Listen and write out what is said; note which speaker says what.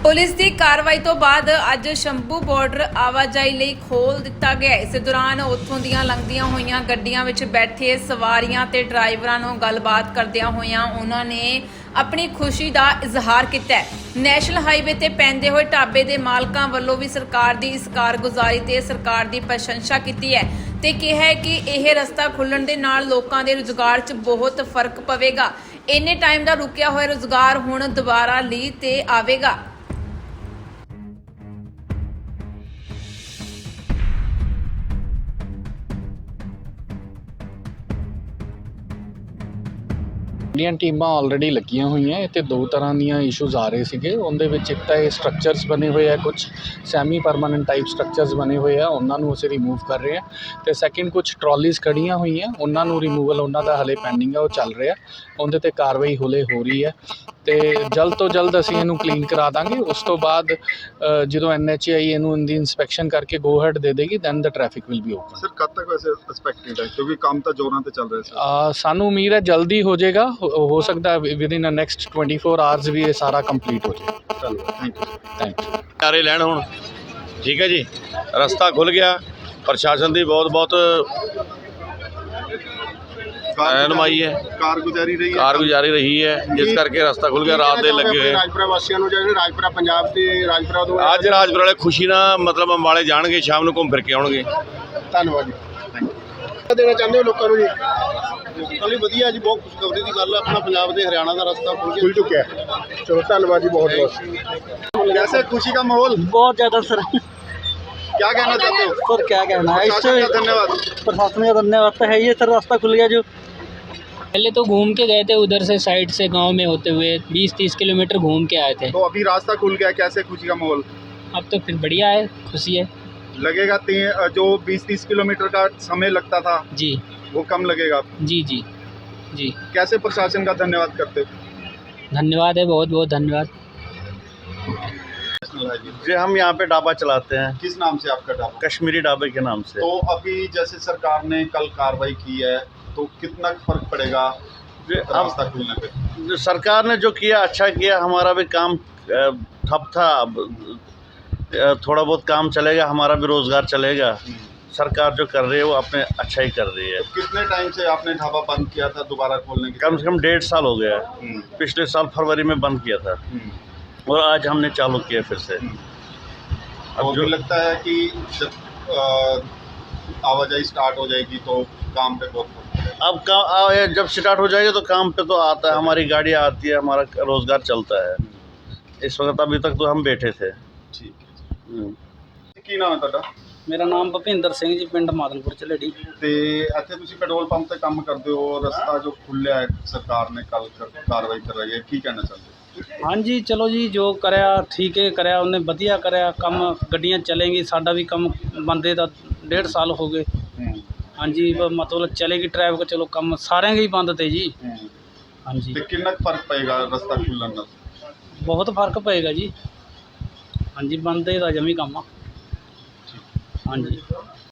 Speaker 1: Police ਦੀ ਕਾਰਵਾਈ ਤੋਂ ਬਾਅਦ ਅੱਜ ਸ਼ੰਭੂ ਬਾਰਡਰ ਆਵਾਜਾਈ ਲਈ ਖੋਲ੍ਹ ਦਿੱਤਾ ਗਿਆ। ਇਸ ਦੌਰਾਨ ਉੱਥੋਂ ਦੀਆਂ ਲੰਘਦੀਆਂ ਹੋਈਆਂ ਗੱਡੀਆਂ ਵਿੱਚ ਬੈਠੇ ਸਵਾਰੀਆਂ ਤੇ ਡਰਾਈਵਰਾਂ ਨੂੰ ਗੱਲਬਾਤ ਕਰਦਿਆਂ ਹੋਇਆਂ ਉਹਨਾਂ ਨੇ ਆਪਣੀ ਖੁਸ਼ੀ ਦਾ ਇਜ਼ਹਾਰ ਕੀਤਾ। ਨੈਸ਼ਨਲ ਹਾਈਵੇ ਤੇ ਪੈਂਦੇ ਹੋਏ ਢਾਬੇ ਦੇ ਮਾਲਕਾਂ ਵੱਲੋਂ ਵੀ ਸਰਕਾਰ ਦੀ ਇਸ ਕਾਰਗੁਜ਼ਾਰੀ ਤੇ ਸਰਕਾਰ ਦੀ ਪ੍ਰਸ਼ੰਸਾ ਕੀਤੀ ਹੈ ਤੇ ਕਿਹਾ ਹੈ ਕਿ ਇਹ ਰਸਤਾ ਖੁੱਲਣ ਦੇ ਨਾਲ ਲੋਕਾਂ ਦੇ ਰੁਜ਼ਗਾਰ 'ਚ ਬਹੁਤ ਫਰਕ ਪਵੇਗਾ। ਇੰਨੇ ਟਾਈਮ ਦਾ ਰੁਕਿਆ ਹੋਇਆ ਰੁਜ਼ਗਾਰ ਹੁਣ ਦੁਬਾਰਾ ਲੀਹ ਤੇ ਆਵੇਗਾ।
Speaker 2: ਇੰਡੀਅਨ ਟੀਮਾਂ ਆਲਰੇਡੀ ਲੱਗੀਆਂ ਹੋਈਆਂ। ਇੱਥੇ ਦੋ ਤਰ੍ਹਾਂ ਦੀਆਂ ਇਸ਼ੂਜ਼ ਆ ਰਹੇ ਸੀਗੇ। ਉਹਦੇ ਵਿੱਚ ਇੱਕ ਤਾਂ ਇਹ ਸਟਰਕਚਰਸ ਬਣੇ ਹੋਏ ਆ, ਕੁਝ ਸੈਮੀ ਪਰਮਾਨੈਂਟ ਟਾਈਪ ਸਟਰਕਚਰਸ ਬਣੇ ਹੋਏ ਆ, ਉਹਨਾਂ ਨੂੰ ਅਸੀਂ ਰਿਮੂਵ ਕਰ ਰਹੇ ਹਾਂ। ਅਤੇ ਸੈਕਿੰਡ ਕੁਝ ਟਰਾਲੀਜ਼ ਖੜ੍ਹੀਆਂ ਹੋਈਆਂ, ਉਹਨਾਂ ਨੂੰ ਰਿਮੂਵਲ ਉਹਨਾਂ ਦਾ ਹਲੇ ਪੈਂਡਿੰਗ ਆ, ਉਹ ਚੱਲ ਰਿਹਾ। ਉਹਦੇ 'ਤੇ ਕਾਰਵਾਈ ਹੌਲੇ ਹੋ ਰਹੀ ਹੈ ਅਤੇ ਜਲਦ ਤੋਂ ਜਲਦ ਅਸੀਂ ਇਹਨੂੰ ਕਲੀਨ ਕਰਾ ਦਾਂਗੇ। ਉਸ ਤੋਂ ਬਾਅਦ ਜਦੋਂ NHAI ਇਹਨੂੰ ਇਹਦੀ ਇੰਸਪੈਕਸ਼ਨ ਕਰਕੇ ਗੋ ਹੈਡ ਦੇ ਦੇਗੀ, then the traffic will be open.
Speaker 3: Sir ਕਦ ਤੱਕ ਵੈਸੇ ਐਕਸਪੈਕਟਡ ਹੈ, ਕਿਉਂਕਿ ਕੰਮ ਤਾਂ ਜ਼ੋਰਾਂ ਤੇ ਚੱਲ ਰਿਹਾ ਸੀ?
Speaker 2: ਸਾਨੂੰ ਉਮੀਦ ਹੈ ਜਲਦੀ ਹੋ ਜਾਏਗਾ। ਹੋ ਸਕਦਾ ਵਿਦਿਨ ਨੈਕਸਟ 24 ਆਵਰਸ ਵੀ ਇਹ ਸਾਰਾ ਕੰਪਲੀਟ ਹੋ ਜਾਏ।
Speaker 3: ਚਲੋ ਥੈਂਕ ਯੂ।
Speaker 4: ਚਾਰੇ ਲੈਣ ਹੁਣ ਠੀਕ ਹੈ ਜੀ। ਰਸਤਾ ਖੁੱਲ ਗਿਆ। ਪ੍ਰਸ਼ਾਸਨ ਦੀ ਬਹੁਤ ਰਹਿਨੁਮਾਈ ਹੈ,
Speaker 3: ਕਾਰਗੁਜ਼ਾਰੀ
Speaker 4: ਰਹੀ ਹੈ, ਜਿਸ ਕਰਕੇ ਰਸਤਾ ਖੁੱਲ ਗਿਆ। ਰਾਤ ਦੇ ਲੱਗੇ ਹੋਏ
Speaker 3: ਰਾਜਪੁਰਾ ਵਾਸੀਆਂ ਨੂੰ, ਜਿਹੜੇ ਰਾਜਪੁਰਾ ਪੰਜਾਬ ਤੇ ਰਾਜਪੁਰਾ ਤੋਂ
Speaker 4: ਅੱਜ ਰਾਜਪੁਰਾ ਵਾਲੇ ਖੁਸ਼ੀ ਨਾਲ ਮਤਲਬ ਅੰਬਾਲੇ ਜਾਣਗੇ, ਸ਼ਾਮ ਨੂੰ ਘੁੰਮ ਫਿਰ ਕੇ ਆਉਣਗੇ।
Speaker 3: ਧੰਨਵਾਦ ਜੀ। ਦੇਣਾ ਚਾਹੁੰਦੇ ਹੋ ਲੋਕਾਂ ਨੂੰ ਜੀ? ਚਲੋ ਵਧੀਆ ਜੀ, ਬਹੁਤ ਖੁਸ਼ਖਬਰੀ ਦੀ ਗੱਲ ਹੈ। ਆਪਣਾ ਪੰਜਾਬ ਤੇ ਹਰਿਆਣਾ ਦਾ ਰਸਤਾ ਖੁੱਲ ਚੁੱਕਿਆ ਹੈ। ਚਲੋ ਧੰਨਵਾਦ ਜੀ, बहुत बहुत। कैसे खुशी का माहौल?
Speaker 5: बहुत ज़्यादा सर।
Speaker 3: क्या कहना चाहते हो
Speaker 5: सर? क्या कहना है,
Speaker 3: प्रशासन का धन्यवाद।
Speaker 5: प्रशासन का धन्यवाद तो है ये सर, रास्ता खुल गया। जो पहले तो घूम के गए थे उधर से साइड से गांव में होते हुए 20-30 किलोमीटर घूम के आए थे।
Speaker 3: तो अभी रास्ता खुल गया, कैसे खुशी का माहौल?
Speaker 5: अब तो फिर बढ़िया है, खुशी है।
Speaker 3: लगेगा जो 20-30 किलोमीटर का समय लगता था
Speaker 5: जी,
Speaker 3: वो कम लगेगा?
Speaker 5: जी जी जी।
Speaker 3: कैसे प्रशासन का धन्यवाद करते हो?
Speaker 5: धन्यवाद है, बहुत बहुत धन्यवाद।
Speaker 4: जी हम यहाँ पे ढाबा चलाते हैं,
Speaker 3: किस नाम से आपका ढाबा?
Speaker 4: कश्मीरी ढाबे के नाम से।
Speaker 3: तो अभी जैसे सरकार ने कल कार्रवाई की है, तो कितना फर्क पड़ेगा रास्ता खुलने पे?
Speaker 4: जो सरकार ने जो किया अच्छा किया। हमारा भी काम ठप था, अब थोड़ा बहुत काम चलेगा, हमारा भी रोज़गार चलेगा। सरकार जो कर रही है वो अपने अच्छा ही कर रही है।
Speaker 3: तो कितने टाइम से आपने ढाबा बंद किया था दोबारा खोलने के?
Speaker 4: कम से कम 1.5 साल हो गया है। पिछले साल फरवरी में बंद किया था और आज हमने चालू किया फिर से।
Speaker 3: अब जो लगता है कि जब आवाजाही स्टार्ट हो जाएगी तो काम पे बहुत
Speaker 4: अब जब स्टार्ट हो जाएगा तो काम पे तो आता है, हमारी गाड़ी आती है, हमारा रोज़गार चलता है। इस वक्त अभी तक तो हम बैठे थे।
Speaker 3: ठीक है। ਕੀ ਨਾਮ ਹੈ ਤੁਹਾਡਾ?
Speaker 5: मेरा नाम भुपिंदर सिंह जी, पिंड मादनपुर झलेड़ी।
Speaker 3: ਤੇ ਇੱਥੇ ਤੁਸੀਂ ਪੈਟਰੋਲ ਪੰਪ ਤੇ ਕੰਮ ਕਰਦੇ ਹੋ, ਰਸਤਾ ਜੋ ਖੁੱਲਿਆ ਹੈ ਸਰਕਾਰ ਨੇ ਕੱਲ ਕਾਰਵਾਈ ਕਰ ਰਹੀ ਹੈ, ਕੀ ਕਹਿਣਾ ਚਾਹੁੰਦੇ ਹੋ?
Speaker 5: हाँ जी, चलो जी, जो कराया ठीक है, कराया उन्हें वधिया कराया काम। गड्डियाँ चलेंगी, साडा भी काम बंदे दा 1.5 साल हो गए। हाँ जी, मतलब चलेगी ट्रैफिक। चलो काम सारे ही बंद थे जी। हाँ जी।
Speaker 3: ਤੇ ਕਿੰਨਾ ਕੁ ਫਰਕ ਪਏਗਾ ਰਸਤਾ ਖੁੱਲਣ ਨਾਲ?
Speaker 5: बहुत फर्क पेगा जी। हाँ जी, बंदे का जमी काम आ। हाँ जी।